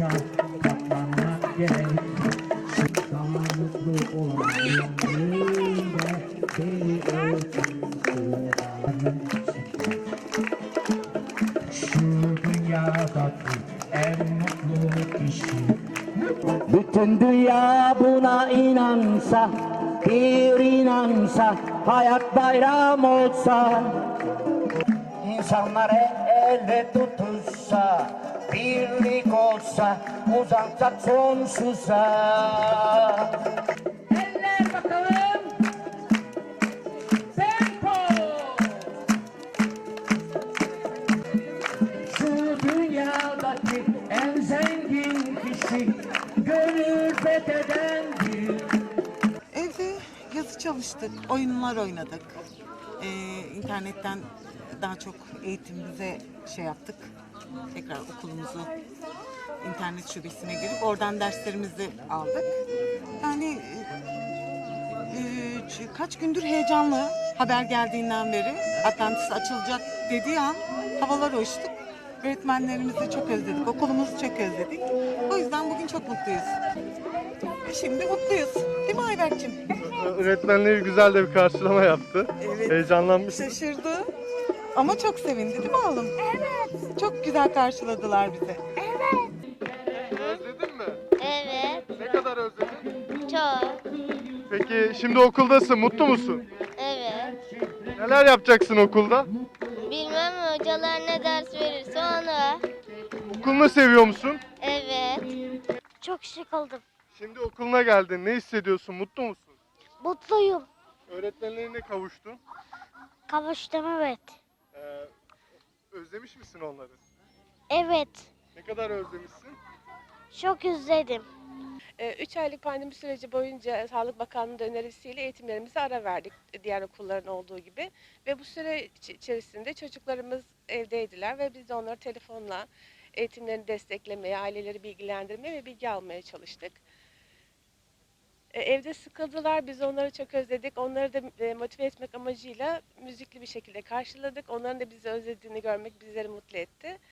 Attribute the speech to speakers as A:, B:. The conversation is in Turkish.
A: katlanmak gerek. Daha mutlu olayım önünde beni öldürsün. Şu dünyadaki en mutlu kişi. Bütün dünya buna inansa, bir inansa, hayat bayram olsa. İnsanlar elle tutuşsa, birlik olsa, uzansak sonsuza. Eller bakalım. Tempo. Şu dünyadaki en zengin kişi, gönül fethedendir.
B: Evde yazı çalıştık, oyunlar oynadık. İnternetten daha çok eğitimimize şey yaptık. Tekrar okulumuzu internet şubesine girip oradan derslerimizi aldık. Yani kaç gündür heyecanlı haber geldiğinden beri. Atlantis açılacak dediği an havalar uçtuk. Öğretmenlerimizi çok özledik, okulumuzu çok özledik. O yüzden bugün çok mutluyuz. Şimdi mutluyuz. Değil mi Ayberk'cim?
C: Öğretmenleri güzel de bir karşılama yaptı.
B: Evet.
C: Heyecanlanmış.
B: Şaşırdı. Ama çok sevindi değil mi oğlum? Evet. Çok güzel karşıladılar bizi.
C: Özledin mi?
D: Evet,
C: Ne kadar özledin?
D: çok.
C: Peki şimdi okuldasın, mutlu musun?
D: Evet.
C: Neler yapacaksın okulda?
D: Bilmem hocalar ne ders verirse onu.
C: Okulunu seviyor musun?
D: Evet. Çok şık oldum.
C: Şimdi okuluna geldin, ne hissediyorsun, mutlu musun?
D: Mutluyum.
C: Öğretmenlerine kavuştun.
D: Kavuştum evet.
C: Ee, Özlemiş misin onları?
D: Evet.
C: Ne kadar özlemişsin?
D: Çok özledim.
E: 3 aylık pandemi süreci boyunca Sağlık Bakanlığı önerisiyle eğitimlerimize ara verdik diğer okulların olduğu gibi. Ve bu süre içerisinde çocuklarımız evdeydiler ve biz de onları telefonla eğitimlerini desteklemeye, aileleri bilgilendirmeye ve bilgi almaya çalıştık. Evde sıkıldılar, biz onları çok özledik. Onları da motive etmek amacıyla müzikli bir şekilde karşıladık. Onların da bizi özlediğini görmek bizleri mutlu etti.